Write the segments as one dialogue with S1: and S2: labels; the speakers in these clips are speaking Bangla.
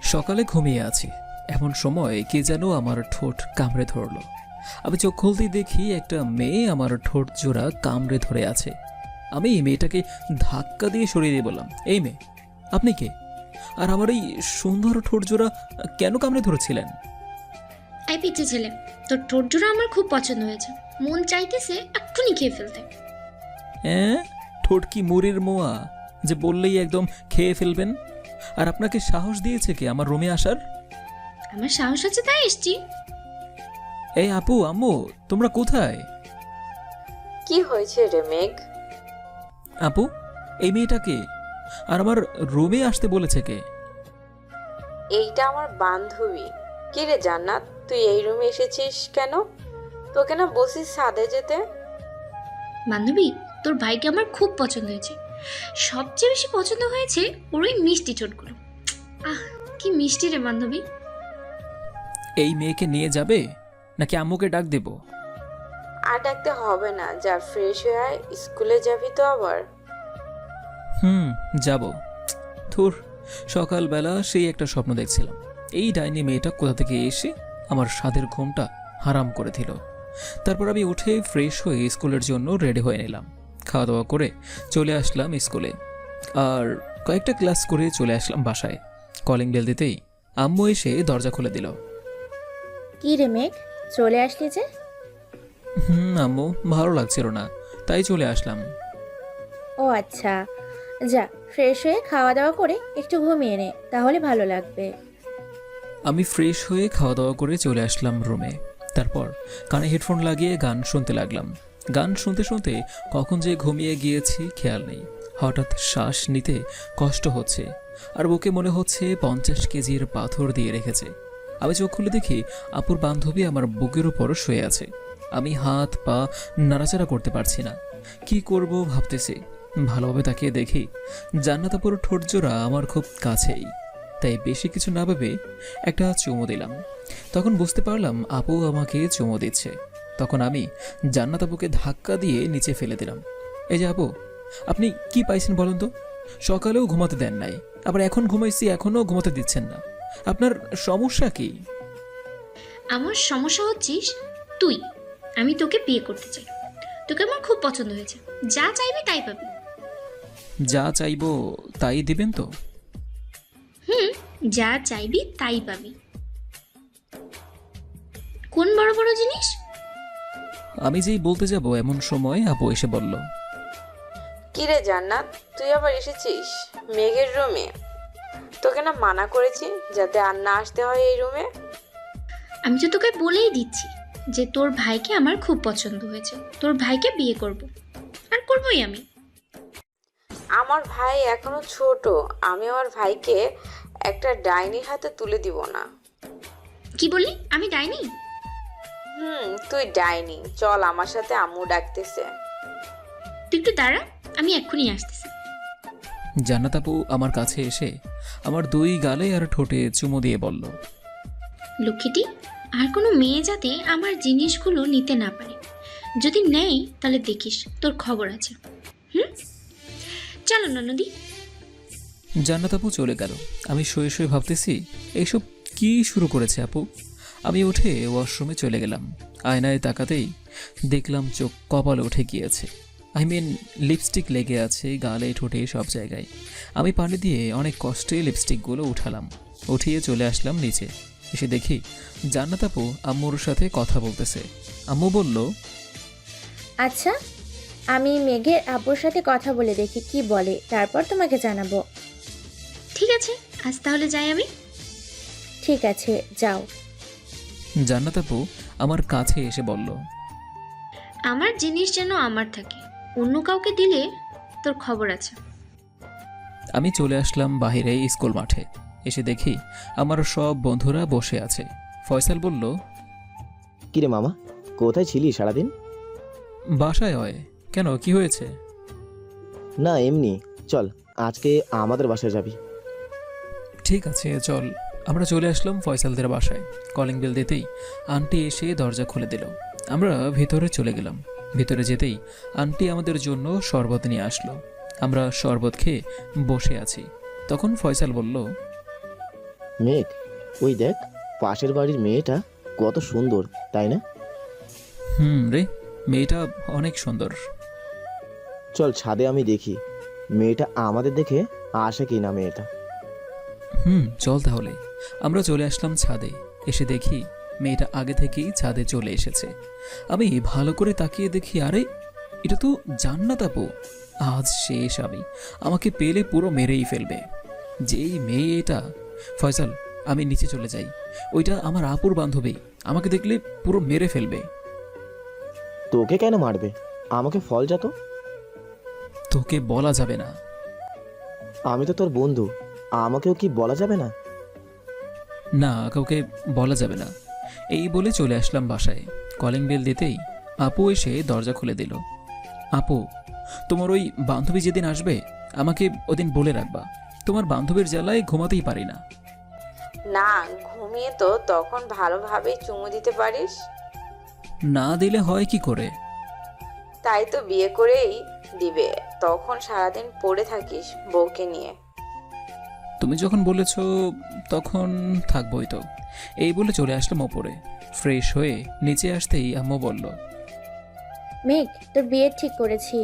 S1: সকালে ঘুমিয়ে আছি, এমন সময় কে যেন আমার ঠোঁট কামড়ে ধরলো। আমি চোখ খুলতেই দেখি একটা মেয়ে আমার ঠোঁট জোড়া কামড়ে ধরে আছে। আমি এই মেয়েটাকে ধাক্কা দিয়ে সরিয়ে দিয়ে বললাম, এই মেয়ে, আপনি কে? আর আমার এই সুন্দর ঠোঁট জোড়া কেন কামড়ে ধরেছিলেন?
S2: এই পিচ্ছি ছেলে, তোর ঠোঁট জোড়া আমার খুব পছন্দ হয়েছে, মন চাইতেছে এক্ষুনি খেয়ে ফেলতে।
S1: হ্যাঁ, ঠোঁট কি মুড়ির মোয়া যে বললেই একদম খেয়ে ফেলবেন? আর আপনাকে সাহস দিয়েছে কে আমার রুমে আসার?
S2: আমার সাহস আছে তাই এসছি।
S1: এই আপু, আম্মু, তোমরা কোথায়?
S3: কি হয়েছে রে মেঘ?
S1: আপু, এই মেয়েটাকে আর আমার রুমে আসতে বলেছে কে?
S3: এইটা আমার বান্ধবী। কি রে জান্নাত, তুই এই রুমে এসেছিস কেন? তোকে না বলছিস ছাদে যেতে?
S2: বান্ধবী, তোর ভাইকে আমার খুব পছন্দ হয়েছে। সবচেয়ে বেশি পছন্দ হয়েছে ওর ওই মিষ্টি ঠোঁটগুলো। আহ, কি মিষ্টি রে বান্ধবী।
S1: এই মেয়েকে নিয়ে যাবে নাকি আম্মুকে ডাক দেব?
S3: আর ডাকতে হবে না, যা ফ্রেশ হয়ে আয়, স্কুলে যাবি তো আবার।
S1: যাব। ধুর, সকালবেলা সেই একটা স্বপ্ন দেখছিলাম, এই ডাইনি মেয়েটা কোথা থেকে এসে আমার স্বাদের ঘুমটা হারাম করে দিল। তারপর আমি উঠে ফ্রেশ হয়ে স্কুলের জন্য রেডি হয়ে নিলাম। খাওয়া দাওয়া করে চলে আসলাম স্কুলে, আর কয়েকটা ক্লাস করে চলে আসলাম বাসায়। কলিং বেল দিতেই আম্মু এসে দরজা খুলে দিল।
S4: কি রে মেঘ, চলে আসলি যে?
S1: আম্মু, ভালো লাগছিল না, তাই চলে আসলাম।
S4: ও আচ্ছা, যা ফ্রেশ হয়ে খাওয়া দাওয়া করে একটু ঘুমিয়ে নে, তাহলে ভালো লাগবে।
S1: আমি ফ্রেশ হয়ে খাওয়া দাওয়া করে চলে আসলাম রুমে। তারপর কানে হেডফোন লাগিয়ে গান শুনতে লাগলাম। গান শুনতে শুনতে কখন যে ঘুমিয়ে গিয়েছি খেয়াল নেই। হঠাৎ শ্বাস নিতে কষ্ট হচ্ছে, আর বুকে মনে হচ্ছে 50 কেজির পাথর দিয়ে রেখেছে। আমি চোখ খুলে দেখি আপুর বান্ধবী আমার বুকের উপর শুয়ে আছে। আমি হাত পা নাড়াচাড়া করতে পারছি না, কি করব ভাবতেছি। ভালোভাবে তাকিয়ে দেখি জান্নাত আপুর ঠোঁট জোড়া আমার খুব কাছেই। তাই বেশি কিছু না ভেবে একটা চুমু দিলাম। তখন বুঝতে পারলাম আপু আমাকে চুমু দিচ্ছে। তখন আমি জান্নাত আপুকে ধাক্কা দিয়ে নিচে ফেলে দিলাম। এই যে আপু, আপনি কি পাইছেন বলুন তো? সকালেও ঘুমাতে দেন নাই, আবার এখন ঘুমাইছি এখনও ঘুমাতে দিচ্ছেন না। আপনার সমস্যা কি?
S2: আমার সমস্যা হচ্ছিস তুই। আমি তোকে বিয়ে করতে চাই, তোকে আমার খুব পছন্দ হয়েছে, যা চাইবি তাই পাবি।
S1: যা চাইবো তাই দিবেন তো?
S2: যা চাইবি তাই পাবি। কোন বড় বড় জিনিস?
S1: আমি যেই বলতে যাব এমন সময় আপু এসে বলল,
S3: কি রে জান্নাত, তুই আবার এসেছিস মেঘের রুমে? তোকে না মানা করেছি যাতে আর না আসতে হয় এই রুমে।
S2: আমি তো তোকে বলেই দিচ্ছি যে তোর ভাইকে আমার খুব পছন্দ হয়েছে, তোর ভাইকে বিয়ে করব, আর করবই আমি।
S3: আমার ভাই এখনো ছোট, আমি আমার ভাইকে একটা ডাইনির হাতে তুলে দিব না।
S2: কি বললি? আমি ডাইনি?
S3: তুই ডাইনি। চল আমার সাথে, আম্মু ডাকতেছে।
S2: তুই একটু দাঁড়া, আমি এক্ষুনি আসতেছি।
S1: জান্নাত আপু আমার কাছে এসে আমার 2 গালে আর ঠোঁটে চুমু দিয়ে বলল,
S2: লক্ষ্মীটি, আর কোনো মেয়ে যাতে আমার জিনিসগুলো নিতে না পারে, যদি নেই তাহলে দেখিস তোর খবর আছে। চলো না নদী।
S1: জান্নাত আপু চলে গেল। আমি শুয়ে শুয়ে ভাবতেছি, এইসব কি শুরু করেছে আপু। আমি উঠে ওয়াশরুমে চলে গেলাম। আয়নায় তাকাতেই দেখলাম চোখ কপালে উঠে গিয়েছে। লিপস্টিক লেগে আছে গালে ঠোঁটে সব জায়গায়। আমি পানি দিয়ে অনেক কষ্টে লিপস্টিকগুলো উঠালাম। উঠিয়ে চলে আসলাম নিচে। এসে দেখি জান্নাত আপু আম্মুর সাথে কথা বলতেছে। আম্মু বলল,
S4: আচ্ছা, আমি মেঘের আব্বুর সাথে কথা বলে দেখি কি বলে, তারপর তোমাকে জানাবো।
S2: ঠিক আছে, আজ তাহলে যাই আমি।
S4: ঠিক আছে, যাও।
S1: জান্নাত আপু আমার কাছে এসে বলল,
S2: আমার জিনিস যেন আমার থাকে, অন্য কাউকে দিলে তোর খবর আছে।
S1: আমি চলে আসলাম বাইরে স্কুল মাঠে। এসে দেখি আমার সব বন্ধুরা বসে আছে। ফয়সাল বলল,
S5: কিরে মামা, কোথায় ছিলি সারাদিন?
S1: বাসায় হয়। কেন, কি হয়েছে?
S5: না এমনি, চল আজকে আমাদের বাসায় যাবি।
S1: ঠিক আছে চল। আমরা চলে আসলাম ফয়সালদের বাসায়। কলিং বেল দিতেই আন্টি এসে দরজা খুলে দিল। আমরা ভিতরে চলে গেলাম। ভিতরে যেতেই আন্টি আমাদের জন্য শরবত নিয়ে আসলো। আমরা শরবত খেয়ে বসে আছি। তখন ফয়সাল বলল,
S5: মেঘ, ওই দেখ পাশের বাড়ির মেয়েটা কত সুন্দর, তাই না?
S1: রে, মেয়েটা অনেক সুন্দর।
S5: চল ছাদে আমি দেখি মেয়েটা আমাদের দেখে আসে কি না মেয়েটা।
S1: চল তাহলে। আমরা চলে আসলাম ছাদে। এসে দেখি মেয়েটা আগে থেকেই ছাদে চলে এসেছে। আমি ভালো করে তাকিয়ে দেখি, আরে এটা তো জান্নাত আপু। আজ শেষ আমি, আমাকে পেলে পুরো মেরেই ফেলবে। যেই মেয়ে এটা। ফয়সাল, আমি নিচে চলে যাই। ওইটা আমার আপুর বান্ধবী, আমাকে দেখলে পুরো মেরে ফেলবে।
S5: তোকে কেন মারবে? আমাকে ফল যা তো।
S1: তোকে বলা যাবে না।
S5: আমি তো তোর বন্ধু, আমাকেও কি বলা যাবে না?
S1: না, কাউকে বলা যাবে না। এই বলে চলে আসলাম বাসায়। কলিং বেল দিতেই আপু এসে দরজা খুলে দিল। আপু, তোমার ওই বান্ধবী যেদিন আসবে আমাকে ওদিন বলে রাখবা। তোমার বান্ধবীর জ্বালায় ঘুমাতেই পারি না।
S3: না, ঘুমিয়ে তো তখন ভালোভাবে চুমু দিতে পারিস।
S1: না দিলে হয় কি করে?
S3: তাই তো বিয়ে করেই দিবে, তখন সারাদিন পড়ে থাকিস বউকে নিয়ে।
S1: তুমি যখন বলেছ তখন থাকবই তো। এই বলে চলে আসলাম ওপরে। ফ্রেশ হয়ে নিচে আসতেই আম্মু বলল,
S4: মেঘ, তোর বিয়ে ঠিক করেছি।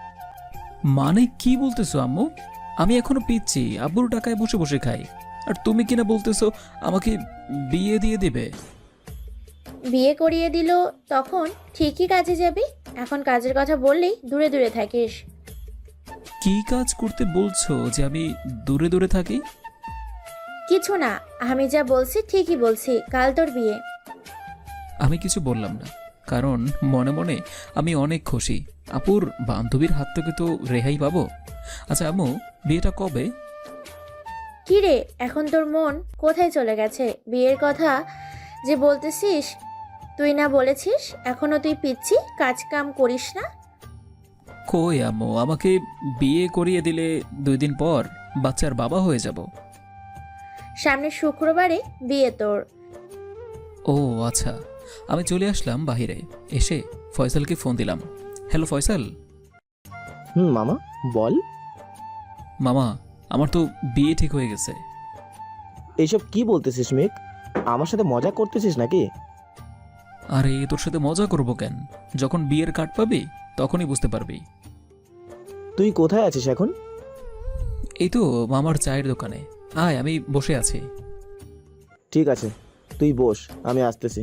S1: মানে কি বলতেছো আম্মু? আমি এখনো পিচ্ছি, আব্বুর টাকায় বসে বসে খাই, আর তুমি কিনা বলতেছো আমাকে বিয়ে দিয়ে দিবে?
S4: বিয়ে করিয়ে দিল তখন ঠিকই কাজে যাবি। এখন কাজের কথা বললেই দূরে দূরে থাকিস।
S1: কি কাজ করতে বলছো যে আমি দূরে দূরে থাকি?
S4: কিছু না, আমি যা বলছি ঠিকই বলছি। কাল তোর বিয়ে।
S1: আমি কিছু বললাম না, কারণ মনে মনে আমি অনেক খুশি। আপুর বান্ধবীর হাত থেকে তো রেহাই পাবো। আচ্ছা আম্মু, বিয়েটা কবে?
S4: কি রে, এখন তোর মন কোথায় চলে গেছে? বিয়ের কথা যে বলতেছিস, তুই না বলেছিস এখনো তুই পিচ্ছি, কাজ কাম করিস না?
S1: কই আম্মু, আমাকে বিয়ে করিয়ে দিলে 2 দিন পর বাচ্চার বাবা হয়ে যাব।
S4: সামনের শুক্রবারে বিয়ে তোর।
S1: ও আচ্ছা। আমি চলে আসলাম বাহিরে। এসে ফয়সালকে ফোন দিলাম। হ্যালো ফয়সাল।
S5: মামা বল।
S1: মামা, আমার তো বিয়ে ঠিক হয়ে গেছে।
S5: এইসব কি বলতেছিস মেঘ? আমার সাথে মজা করতেছিস নাকি?
S1: আরে তোর সাথে মজা করবো কেন? যখন বিয়ের কার্ড পাবি তখনই বুঝতে পারবি।
S5: তুই কোথায় আছিস এখন?
S1: এই তো মামার চায়ের দোকানে। আয়, আমি বসে আছি।
S5: ঠিক আছে, তুই বস, আমি আসতেছি।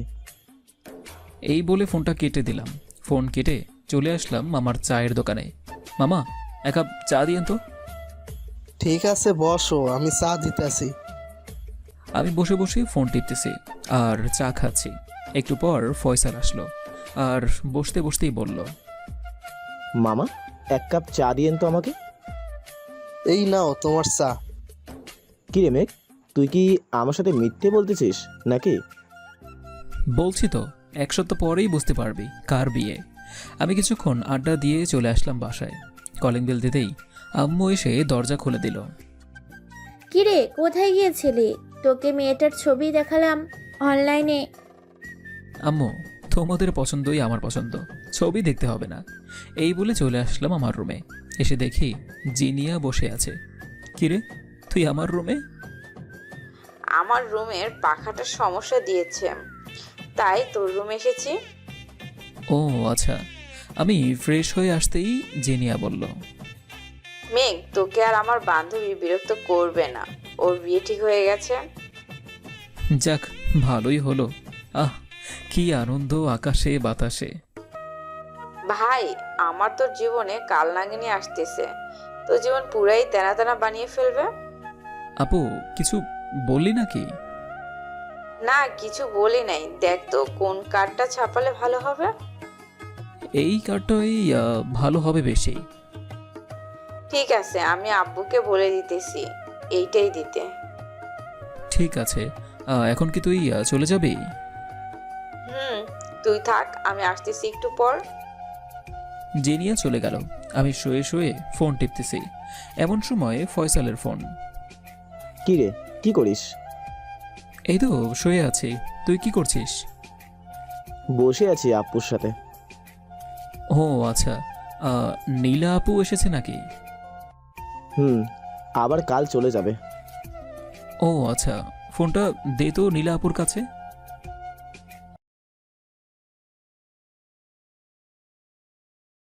S1: এই বলে ফোনটা কেটে দিলাম। ফোন কেটে চলে আসলাম মামার চায়ের দোকানে। মামা, 1 কাপ চা দিয়েন তো।
S6: ঠিক আছে বসো, আমি চা দিতেছি।
S1: আমি বসে বসে ফোন টিপতেছি আর চা খাচ্ছি। একটু পর ফয়সাল আসলো আর বসতে বসতেই বলল,
S5: মামা 1 কাপ চা দিয়েন তো আমাকে।
S6: এই নাও তোমার চা।
S5: কি রে মেঘ, তুই কি আমার সাথে মিথ্যে বলতেছিস নাকি?
S1: বলছি তো, 1 সপ্তাহ পরেই বুঝতে পারবি কার বিয়ে। আমি কিছুক্ষণ আড্ডা দিয়ে চলে আসলাম বাসায়। কলিং বেল দিতেই আম্মু এসে দরজা খুলে দিল।
S4: কি রে, কোথায় গিয়েছিলি? তোকে মেয়েটার ছবি দেখালাম অনলাইনে।
S1: আম্মু, তোমাদের পছন্দই আমার পছন্দ, ছবি দেখতে হবে না। এই বলে চলে আসলাম আমার রুমে। এসে দেখি জিনিয়া বসে আছে। কিরে, তুই আমার রুমে?
S3: আমার রুমের পাখাটা সমস্যা দিয়েছে, তাই তোর রুমে এসেছি।
S1: ও আচ্ছা। আমি ফ্রেশ হয়ে আসতেই জিনিয়া বলল,
S3: মেঘ, তোকে আর আমার বান্ধবী বিরক্ত করবে না, ওর বিয়ে ঠিক হয়ে গেছে।
S1: যাক, ভালোই হলো। আহ, কি আনন্দ আকাশে বাতাসে।
S3: ভাই, আমার তোর জীবনে কাল নাগিনী আসতেছে, তোর জীবন পুরাই তেনা তেনা বানিয়ে ফেলবে।
S1: আপু, কিছু বললি নাকি?
S3: না, কিছু বলি নাই। দেখ তো কোন কার্ডটা ছাপালে ভালো হবে।
S1: এই কার্ডটাই ভালো হবে বেশি।
S3: ঠিক আছে, আমি আব্বুকে বলে দিতেছি এইটাই দিতে।
S1: ঠিক আছে। এখন কি তুই চলে যাবি?
S3: তুই থাক, আমি আসতেছি একটু পর।
S1: জেনিয়া চলে গেল। আমি শুয়ে শুয়ে ফোন টিপতেছি। এমন সময় ফয়সালের ফোন।
S5: কি রে, কি করিস?
S1: এই তো শুয়ে আছি। তুই কি করছিস?
S5: বসে আছি আপুর সাথে।
S1: ও আচ্ছা। নীলা আপু এসেছে নাকি?
S5: আবার কাল চলে যাবে।
S1: ও আচ্ছা। ফোনটা দে তো নীলা আপুর কাছে।